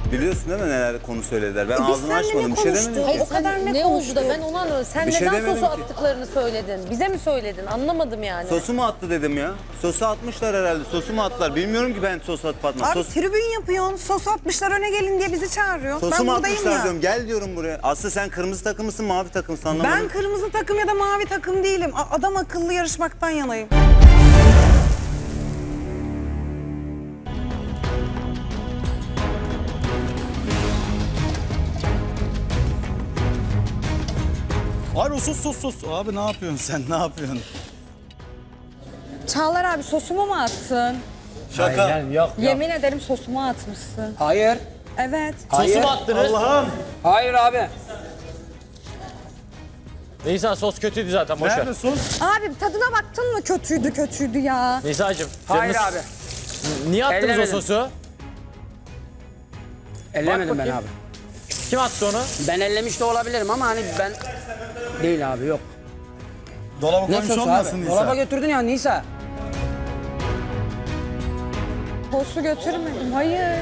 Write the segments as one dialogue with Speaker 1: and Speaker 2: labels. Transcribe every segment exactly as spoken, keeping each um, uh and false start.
Speaker 1: Biliyorsun değil mi neler konu söylediler? Ben
Speaker 2: E biz
Speaker 1: ağzımı
Speaker 2: seninle
Speaker 1: açmadım.
Speaker 2: ne
Speaker 1: Bir şey
Speaker 2: konuştuk?
Speaker 1: demedim
Speaker 2: Hayır,
Speaker 1: ki.
Speaker 2: o kadar ne
Speaker 3: ne oldu
Speaker 2: konuştuk?
Speaker 3: da ben onu anlamadım. Sen
Speaker 1: Bir şey
Speaker 3: neden
Speaker 1: demedim
Speaker 3: sosu
Speaker 1: ki.
Speaker 3: attıklarını söyledin? Bize mi söyledin? Anlamadım yani.
Speaker 1: Sosu mu attı dedim ya. Sosu atmışlar herhalde. Sosu mu attılar? Bilmiyorum ki ben sos atıp atmadım.
Speaker 2: Abi
Speaker 1: Sos,
Speaker 2: tribün yapıyorsun, sos atmışlar öne gelin diye bizi çağırıyor.
Speaker 1: sosu
Speaker 2: ben
Speaker 1: mu
Speaker 2: buradayım
Speaker 1: atmışlar
Speaker 2: ya.
Speaker 1: diyorum. Gel diyorum buraya. Aslı sen kırmızı takımısın, mavi takımsın anlamadım.
Speaker 2: Ben kırmızı takım ya da mavi takım değilim. A- Adam akıllı yarışmaktan yanayım.
Speaker 4: Abi sus sus sus. Abi ne yapıyorsun sen? Ne yapıyorsun?
Speaker 5: Çağlar abi sosumu mu attın?
Speaker 4: Şaka.
Speaker 6: Hayır, yok, yok.
Speaker 5: Yemin ederim sosumu atmışsın.
Speaker 6: Hayır.
Speaker 5: Evet.
Speaker 6: Hayır.
Speaker 7: Sosu mu attınız?
Speaker 4: Allah'ım.
Speaker 6: Hayır abi.
Speaker 7: Nisa sos kötüydü zaten boş ver.
Speaker 4: Nerede sos?
Speaker 5: Abi tadına baktın mı kötüydü kötüydü ya.
Speaker 7: Nisa'cığım.
Speaker 6: Hayır
Speaker 7: canınız-
Speaker 6: abi.
Speaker 7: Niye attınız
Speaker 6: Ellemedim.
Speaker 7: o sosu?
Speaker 6: Ellemedim ben
Speaker 7: bakayım.
Speaker 6: abi.
Speaker 7: Kim attı onu?
Speaker 6: Ben ellemiş de olabilirim ama hani ben... Değil abi yok.
Speaker 4: Dolaba
Speaker 6: Ne
Speaker 4: koymuş
Speaker 6: sosu
Speaker 4: olmasın
Speaker 6: abi?
Speaker 4: Nisa.
Speaker 6: Dolaba götürdün ya Nisa.
Speaker 5: Sosu götürmedim. Hayır.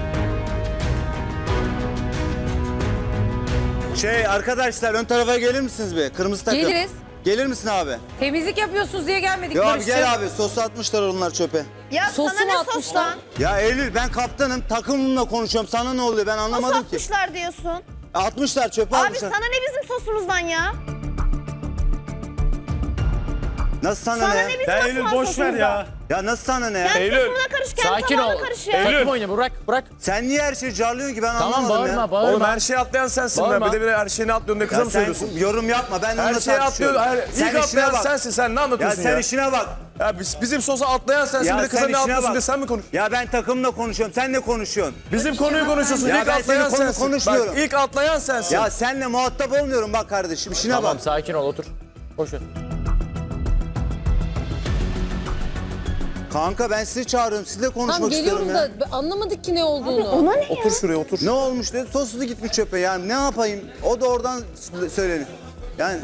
Speaker 1: Şey arkadaşlar ön tarafa gelir misiniz be? Kırmızı takım.
Speaker 3: Geliriz.
Speaker 1: Gelir misin abi?
Speaker 3: Temizlik yapıyorsunuz diye gelmedik
Speaker 1: Yo abi
Speaker 3: Barış'cığım.
Speaker 1: gel abi. Sosu atmışlar onlar çöpe.
Speaker 2: Ya
Speaker 3: Sosu mu atmışlar?
Speaker 1: Ya Eylül ben kaptanım. Takımımla konuşuyorum. Sana ne oluyor? Ben anlamadım ki.
Speaker 8: Atmışlar diyorsun.
Speaker 1: Atmışlar çöpe
Speaker 8: Abi
Speaker 1: atmışlar.
Speaker 8: sana ne bizim sosumuzdan ya?
Speaker 1: Nasıl sana,
Speaker 8: Sana
Speaker 1: ne?
Speaker 8: ne bizim
Speaker 4: Ya Eylül
Speaker 8: Osman
Speaker 4: boş ver ya.
Speaker 8: sosumuzdan?
Speaker 1: Ya nasıl sana ne ya?
Speaker 8: Kendi
Speaker 7: Eylül,
Speaker 8: sosuna karış, kendi
Speaker 7: Sakin
Speaker 8: tabağına
Speaker 7: ol.
Speaker 8: karış ya.
Speaker 7: Takım oyunu bırak bırak.
Speaker 1: Sen niye her şeyi carlıyorsun ki ben
Speaker 7: Tamam
Speaker 1: anlamadım
Speaker 7: bağırma
Speaker 1: ya.
Speaker 7: bağırma.
Speaker 9: Oğlum her şeyi atlayan sensin
Speaker 7: Bağırma.
Speaker 9: be. Bir de bir her şeyini atlıyorsun diye kıza
Speaker 1: Ya
Speaker 9: mı
Speaker 1: sen
Speaker 9: söylüyorsun?
Speaker 1: yorum yapma ben de
Speaker 9: Her
Speaker 1: onunla
Speaker 9: şeyi
Speaker 1: tartışıyorum.
Speaker 9: atlıyor. Her,
Speaker 1: Sen
Speaker 9: ilk
Speaker 1: işine
Speaker 9: atlayan
Speaker 1: bak.
Speaker 9: sensin. Sen ne
Speaker 1: Ya
Speaker 9: anlatıyorsun
Speaker 1: sen
Speaker 9: ya?
Speaker 1: işine bak.
Speaker 9: Ya biz, bizim sosa atlayan sensin.
Speaker 1: Ya
Speaker 9: bir de kıza
Speaker 1: sen
Speaker 9: ne
Speaker 1: işine
Speaker 9: yapıyorsun
Speaker 1: bak.
Speaker 9: diye sen mi konuş?
Speaker 1: Ya ben takımla konuşuyorum. Sen ne konuşuyorsun?
Speaker 9: Bizim konuyu konuşuyorsun.
Speaker 1: Ya
Speaker 9: ilk
Speaker 1: ben
Speaker 9: atlayan
Speaker 1: senin konu
Speaker 9: sensin.
Speaker 1: konuşmuyorum.
Speaker 9: Bak ilk atlayan sensin.
Speaker 1: Ya senle muhatap olmuyorum bak kardeşim. İşine
Speaker 7: Tamam
Speaker 1: bak.
Speaker 7: sakin ol otur. Boş ver.
Speaker 1: Kanka ben sizi çağırıyorum. Sizle konuşmak
Speaker 3: Tamam
Speaker 1: istiyorum
Speaker 3: geliyoruz
Speaker 1: ya.
Speaker 3: da anlamadık ki ne olduğunu.
Speaker 9: Otur şuraya otur.
Speaker 1: Ne olmuş dedi. Sosu gitmiş çöpe yani. Ne yapayım? O da oradan söyledi. Yani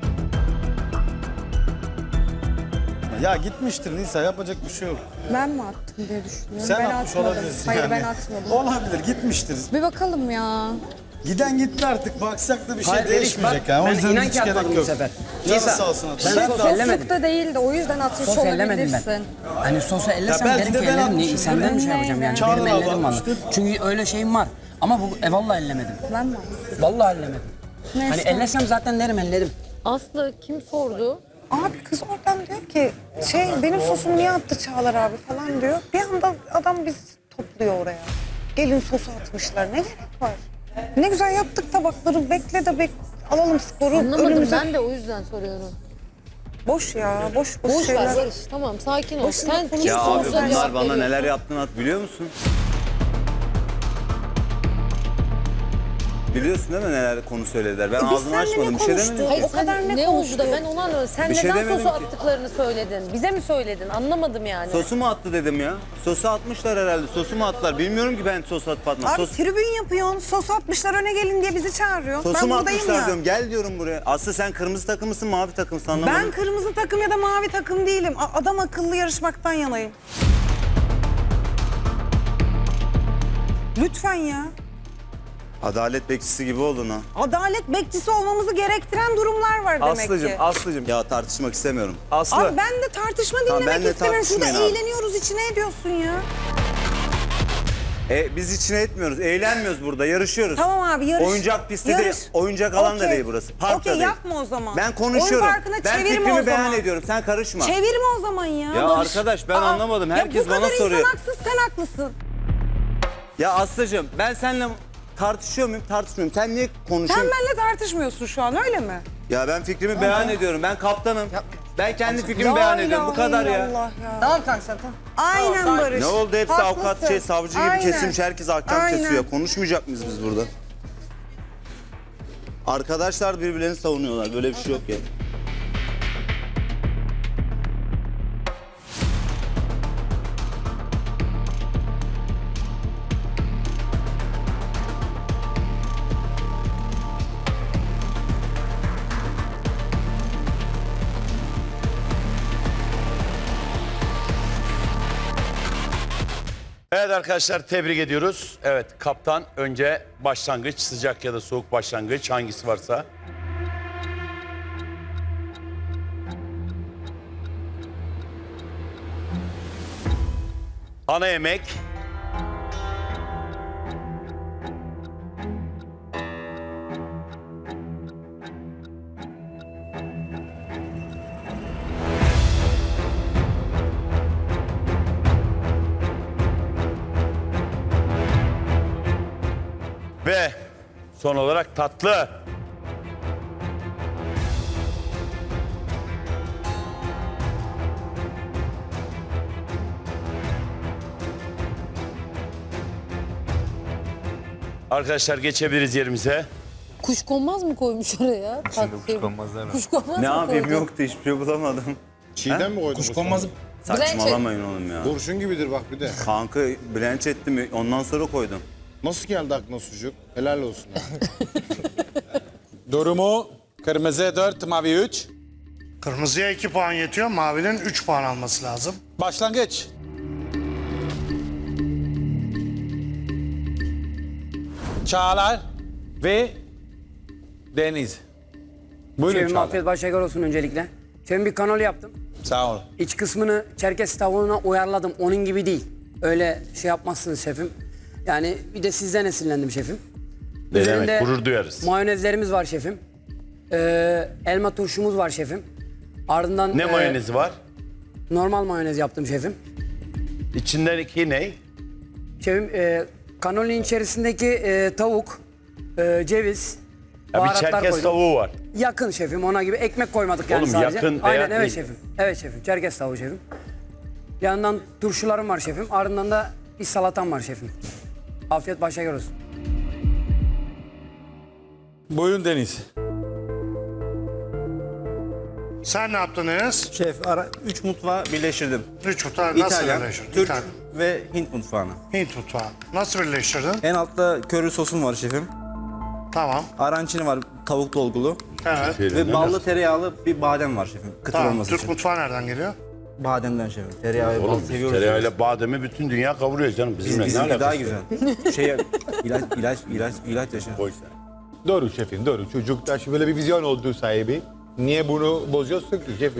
Speaker 4: Ya gitmiştir Nisa yapacak bir şey yok.
Speaker 5: Ben mi attım diye düşünüyorum.
Speaker 4: Sen
Speaker 5: ben
Speaker 4: atmış
Speaker 5: atmadım.
Speaker 4: olabilirsin
Speaker 5: Hayır
Speaker 4: yani.
Speaker 5: ben atmadım.
Speaker 4: Olabilir gitmiştir.
Speaker 5: Bir bakalım ya.
Speaker 4: Giden gitti artık baksak da bir şey
Speaker 6: Hayır Beriş
Speaker 4: değişmeyecek
Speaker 6: bak.
Speaker 4: yani. O
Speaker 6: Ben
Speaker 4: yüzden
Speaker 6: inan
Speaker 4: hiç
Speaker 6: ki atmadım
Speaker 4: gerek
Speaker 6: bu
Speaker 4: yok.
Speaker 6: sefer.
Speaker 4: Canı
Speaker 6: Nisa,
Speaker 4: sağ olsun.
Speaker 6: ben
Speaker 4: Ben
Speaker 6: sos
Speaker 4: de-
Speaker 6: ellemedim.
Speaker 5: Soslukta değildi o yüzden atmış
Speaker 6: Sos ellemedim ben.
Speaker 5: olabilirsin.
Speaker 6: Hani sosu ellesem
Speaker 4: belki
Speaker 6: derim
Speaker 4: de
Speaker 6: ki
Speaker 4: ben
Speaker 6: ellerim.
Speaker 4: atmışım.
Speaker 6: Niye? Senden mi şey yapacağım yani?
Speaker 4: Çağlar
Speaker 6: Benim
Speaker 4: abi
Speaker 6: ellerim var.
Speaker 4: atmıştır.
Speaker 6: Çünkü öyle şeyim var. Ama bu e, vallahi ellemedim.
Speaker 5: Ben mi attım?
Speaker 6: Vallahi ellemedim.
Speaker 5: Neyse.
Speaker 6: Hani ellesem zaten derim elledim.
Speaker 3: Aslı kim sordu?
Speaker 2: Abi kız oradan diyor ki şey benim sosumu niye attı Çağlar abi falan diyor. Bir anda adam bizi topluyor oraya. Gelin sosu atmışlar. Ne gerek var? Ne güzel yaptık tabakları. Bekle de bek alalım sporu
Speaker 3: Anlamadım
Speaker 2: önümüze.
Speaker 3: ben de o yüzden soruyorum.
Speaker 2: Boş ya. Boş boş,
Speaker 3: Boş
Speaker 2: şeyler.
Speaker 3: ver Barış tamam sakin ol.
Speaker 2: Boşuna
Speaker 3: Sen kim
Speaker 1: ya abi
Speaker 3: sorsa
Speaker 1: bunlar
Speaker 3: cevap
Speaker 1: bana
Speaker 3: veriyorsun.
Speaker 1: neler yaptığını at biliyor musun? Biliyorsun değil mi neler konu söylediler? Ben
Speaker 2: E biz
Speaker 1: ağzımı
Speaker 2: seninle
Speaker 1: açmadım.
Speaker 2: ne
Speaker 1: Bir şey
Speaker 2: konuştuk?
Speaker 1: demedim.
Speaker 3: Hayır
Speaker 2: O
Speaker 3: sen
Speaker 2: kadar ne
Speaker 3: ne oldu
Speaker 2: konuştuk?
Speaker 3: da ben onu anlamadım. Sen
Speaker 1: Bir şey
Speaker 3: neden
Speaker 1: demedim
Speaker 3: sosu
Speaker 1: ki.
Speaker 3: attıklarını söyledin? Bize mi söyledin? Anlamadım yani.
Speaker 1: Sosu mu attı dedim ya. Sosu atmışlar herhalde. Sosu mu attılar? Bilmiyorum ki ben sos atıp atmadım.
Speaker 2: Abi
Speaker 1: Sos,
Speaker 2: tribün yapıyorsun. Sos atmışlar öne gelin diye bizi çağırıyor.
Speaker 1: sosu
Speaker 2: ben
Speaker 1: mu
Speaker 2: buradayım
Speaker 1: atmışlar
Speaker 2: ya.
Speaker 1: diyorum. Gel diyorum buraya. Aslı sen kırmızı takımısın, mavi takımsın anlamadım.
Speaker 2: Ben kırmızı takım ya da mavi takım değilim. A- Adam akıllı yarışmaktan yanayım. Lütfen ya.
Speaker 1: Adalet bekçisi gibi oldun ha.
Speaker 2: Adalet bekçisi olmamızı gerektiren durumlar var demek
Speaker 9: Aslıcım,
Speaker 2: ki.
Speaker 9: Aslıcım.
Speaker 1: Ya tartışmak istemiyorum.
Speaker 9: Aslı.
Speaker 2: Abi ben de tartışma
Speaker 1: Tamam,
Speaker 2: dinlemek
Speaker 1: benle
Speaker 2: istemiyorum. Şurada
Speaker 1: tartışmayın abi.
Speaker 2: eğleniyoruz içine ediyorsun ya.
Speaker 1: E, biz içine etmiyoruz. Eğlenmiyoruz burada. Yarışıyoruz.
Speaker 2: Tamam abi yarış.
Speaker 1: Oyuncak pisti
Speaker 2: Yarış.
Speaker 1: değil. Oyuncak alan da
Speaker 2: Okey.
Speaker 1: değil burası. Park da
Speaker 2: Okey
Speaker 1: değil.
Speaker 2: yapma o zaman.
Speaker 1: Ben konuşuyorum.
Speaker 2: Oyun parkına
Speaker 1: Ben
Speaker 2: çevirme
Speaker 1: fikrimi
Speaker 2: o
Speaker 1: beyan
Speaker 2: zaman.
Speaker 1: ediyorum. Sen karışma.
Speaker 2: Çevirme o zaman ya.
Speaker 1: Ya
Speaker 2: Barış.
Speaker 1: arkadaş, ben anlamadım. Herkes
Speaker 2: ya bu
Speaker 1: bana
Speaker 2: kadar
Speaker 1: soruyor.
Speaker 2: insan haksız sen haklısın.
Speaker 1: Ya Aslı'cığım ben seninle tartışıyor muyum? Tartışmıyorum. Sen niye
Speaker 2: Sen
Speaker 1: konuşuyorsun?
Speaker 2: benimle tartışmıyorsun şu an öyle mi?
Speaker 1: Ya ben fikrimi beyan ediyorum. Ben kaptanım. Ben kendi fikrimi
Speaker 2: La
Speaker 1: beyan ediyorum. Bu
Speaker 2: ilahe
Speaker 1: kadar ya.
Speaker 2: illallah ya.
Speaker 6: Tamam kanka sen tamam.
Speaker 2: Aynen Barış.
Speaker 1: Ne oldu hepsi
Speaker 2: Haklısın.
Speaker 1: avukat şey savcı gibi
Speaker 2: Aynen.
Speaker 1: kesilmiş. Herkes ahkam
Speaker 2: Aynen.
Speaker 1: kesiyor. Konuşmayacak mıyız biz burada? Arkadaşlar birbirlerini savunuyorlar. Böyle bir şey yok ya.
Speaker 10: Evet arkadaşlar tebrik ediyoruz. Evet kaptan önce başlangıç, sıcak ya da soğuk başlangıç hangisi varsa. Ana yemek. Ve son olarak tatlı. Arkadaşlar geçebiliriz yerimize.
Speaker 3: Kuşkonmaz mı koymuş oraya? Kuşkonmazlar. Kuşkonmaz
Speaker 1: Ne
Speaker 3: mı
Speaker 1: yapayım
Speaker 3: koydu?
Speaker 1: yoktu hiçbir şey bulamadım.
Speaker 11: Çiğdem mi koydun?
Speaker 4: Kuşkonmazı
Speaker 1: Saçmalamayın oğlum ya.
Speaker 11: Kurşun gibidir bak bir de.
Speaker 1: Kanka blanch ettim ondan sonra koydum.
Speaker 11: Nasıl geldi aklına sucuk? Helal olsun. ha.
Speaker 4: durumu kırmızı dört, mavi üç.
Speaker 12: Kırmızıya iki puan yetiyor, mavinin üç puan alması lazım.
Speaker 4: Başlangıç. Çağlar ve Deniz. Buyurun
Speaker 6: Şefim
Speaker 4: Çağlar.
Speaker 6: afiyet başşeker olsun öncelikle. Şefim bir kanol yaptım.
Speaker 4: Sağ ol.
Speaker 6: İç kısmını Çerkez tavuğuna uyarladım. Onun gibi değil. Öyle şey yapmazsınız şefim. Yani bir de sizden esinlendim şefim.
Speaker 10: Ne
Speaker 6: Üzerinde
Speaker 10: demek gurur duyarız.
Speaker 6: Mayonezlerimiz var şefim. Ee, elma turşumuz var şefim. Ardından
Speaker 10: Ne
Speaker 6: e,
Speaker 10: mayonezi var?
Speaker 6: normal mayonez yaptım şefim.
Speaker 10: İçindeki ne?
Speaker 6: Şefim e, kanolin içerisindeki e, tavuk, e, ceviz,
Speaker 10: Ya bir
Speaker 6: baharatlar
Speaker 10: Çerkez
Speaker 6: koydum.
Speaker 10: tavuğu var.
Speaker 6: Yakın şefim, ona gibi ekmek koymadık yani
Speaker 10: Oğlum
Speaker 6: sadece.
Speaker 10: yakın veya
Speaker 6: Aynen evet
Speaker 10: değil.
Speaker 6: şefim. Evet şefim. Çerkez tavuğu şefim. Yanından turşularım var şefim. Ardından da bir salatam var şefim. Afiyet başa olsun.
Speaker 4: Buyurun Deniz.
Speaker 12: Sen ne yaptın Enes?
Speaker 9: Şef ara üç mutfağı birleştirdim.
Speaker 12: Üç mutfağı nasıl
Speaker 9: İtalyan,
Speaker 12: birleştirdin?
Speaker 9: Türk
Speaker 12: İtalyan.
Speaker 9: ve Hint mutfağını.
Speaker 12: Hint mutfağı. Nasıl birleştirdin?
Speaker 9: En altta köri sosum var şefim.
Speaker 12: Tamam.
Speaker 9: Arancini var tavuk dolgulu.
Speaker 12: Evet.
Speaker 9: Ve ballı tereyağlı bir badem var şefim. Kıtır
Speaker 12: Tamam.
Speaker 9: olması
Speaker 12: Türk
Speaker 9: için.
Speaker 12: mutfağı nereden geliyor?
Speaker 9: Bademden şefim. Tereyağı ve bal
Speaker 10: Oğlum biz
Speaker 9: seviyoruz. biz.
Speaker 10: tereyağıyla bademi bütün dünya kavuruyor canım.
Speaker 9: Biz,
Speaker 10: Bizimle ne
Speaker 9: bizimki
Speaker 10: alakası
Speaker 9: daha
Speaker 10: var?
Speaker 9: güzel. şey ilaç ilaç ilaç ilaç yaşı.
Speaker 10: Koy sen.
Speaker 11: Doğru şefim doğru. Çocukta böyle bir vizyon olduğu sahibi. Niye bunu bozuyorsun ki şefim?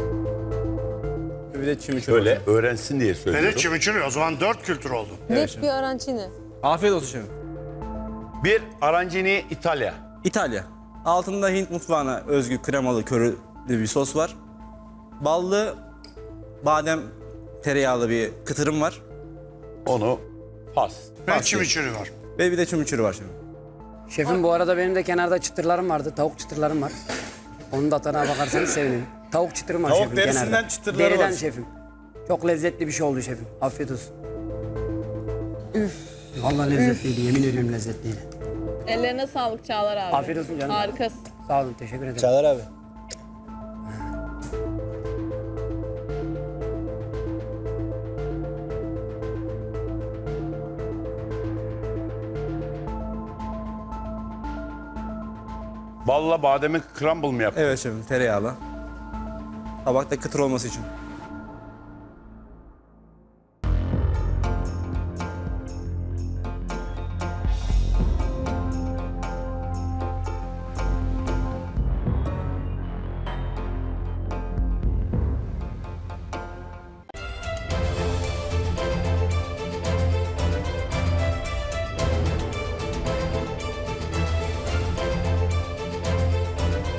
Speaker 9: Bir de çimiçurri.
Speaker 10: Böyle öğrensin diye
Speaker 12: Ve de
Speaker 10: söylüyorum.
Speaker 12: chimichurri. O zaman dört kültür oldu.
Speaker 3: Net bir arancini.
Speaker 9: Afiyet olsun şefim.
Speaker 10: Bir arancini İtalya.
Speaker 9: İtalya. Altında Hint mutfağına özgü kremalı körülü bir sos var. Ballı badem tereyağlı bir kıtırım var.
Speaker 10: Onu pas.
Speaker 12: Ve chimichurri var.
Speaker 9: Ve bir de çimiçurri var şefim.
Speaker 6: Şefim bu arada benim de kenarda çıtırlarım vardı. Tavuk çıtırlarım var. Onun da tadına bakarsanız sevinirim. Tavuk çıtırım var
Speaker 4: Tavuk
Speaker 6: şefim
Speaker 4: derisinden
Speaker 6: kenarda.
Speaker 4: çıtırları
Speaker 6: Deriden
Speaker 4: var.
Speaker 6: şefim. Çok lezzetli bir şey oldu şefim. Afiyet olsun. Üf. Vallahi lezzetliydi. Yemin ediyorum lezzetliydi.
Speaker 8: Ellerine sağlık Çağlar abi.
Speaker 6: Afiyet olsun canım.
Speaker 8: Harikasın.
Speaker 6: Sağ olun. Teşekkür ederim.
Speaker 4: Çağlar abi.
Speaker 10: Balla bademi crumble mı yaptın?
Speaker 9: Evet şefim tereyağlı. Tabakta kıtır olması için.